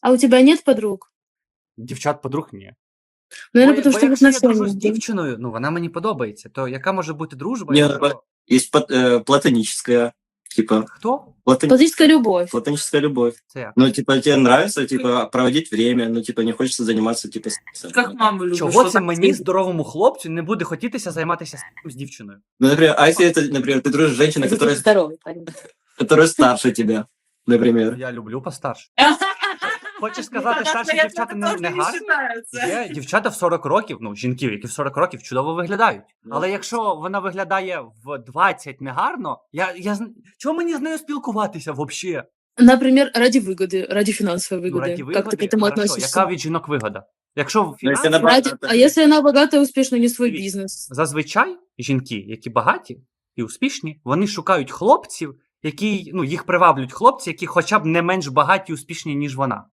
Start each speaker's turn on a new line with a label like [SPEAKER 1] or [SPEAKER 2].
[SPEAKER 1] А у тебя нет подруг?
[SPEAKER 2] Дівчат подруг ні.
[SPEAKER 1] Наверное, потому
[SPEAKER 3] Бо
[SPEAKER 1] что в
[SPEAKER 3] якщо я дружу з
[SPEAKER 1] отношениях, да?
[SPEAKER 3] дівчиною, ну вона мені подобається, то яка може бути дружба,
[SPEAKER 4] Не,
[SPEAKER 3] якщо...
[SPEAKER 4] есть платоническая, типа,
[SPEAKER 3] Хто?
[SPEAKER 1] Платоническая любовь.
[SPEAKER 4] платоническая любовь.
[SPEAKER 3] Це як?
[SPEAKER 4] Ну, типа, тебе нравится, типа, проводить время, ну, типа, не хочется заниматься, типа, сексом.
[SPEAKER 5] Как маму любишь.
[SPEAKER 3] Чого
[SPEAKER 5] что
[SPEAKER 3] це
[SPEAKER 5] так
[SPEAKER 3] мені,
[SPEAKER 5] ты-
[SPEAKER 3] здоровому хлопцю, не буде хотітися займатися сексом з дівчиною?
[SPEAKER 4] Ну, например, а если это, например, ты дружишь с женщиной,
[SPEAKER 1] Это
[SPEAKER 4] которая,
[SPEAKER 1] здоровый парень.
[SPEAKER 4] которая старше тебя, например.
[SPEAKER 3] Я люблю постарше. Хочеш сказати,
[SPEAKER 5] Ну,
[SPEAKER 3] старші
[SPEAKER 5] тогда
[SPEAKER 3] дівчата
[SPEAKER 5] это
[SPEAKER 3] не
[SPEAKER 5] тоже не
[SPEAKER 3] гарні?
[SPEAKER 5] считается.
[SPEAKER 3] Є дівчата в 40 років, ну, жінки, які в 40 років чудово виглядають.
[SPEAKER 4] Ну.
[SPEAKER 3] Але якщо вона виглядає в 20 негарно, чого мені з нею спілкуватися взагалі?
[SPEAKER 1] Например, ради выгоды, ради финансовой
[SPEAKER 3] Ну,
[SPEAKER 1] выгоды.
[SPEAKER 3] раді
[SPEAKER 1] Как ты к этому
[SPEAKER 3] хорошо,
[SPEAKER 1] относишься?
[SPEAKER 3] яка від жінок вигода? Якщо в
[SPEAKER 4] Ну, якщо
[SPEAKER 3] фінансах,
[SPEAKER 4] на-
[SPEAKER 1] А если она богатая, успешная, не свой
[SPEAKER 3] Дивіться.
[SPEAKER 1] бизнес?
[SPEAKER 3] зазвичай жінки, які багаті і успішні, вони шукають хлопців, які, ну, їх приваблюють хлопці, які хоча б не менш багаті і успішні, ніж вона.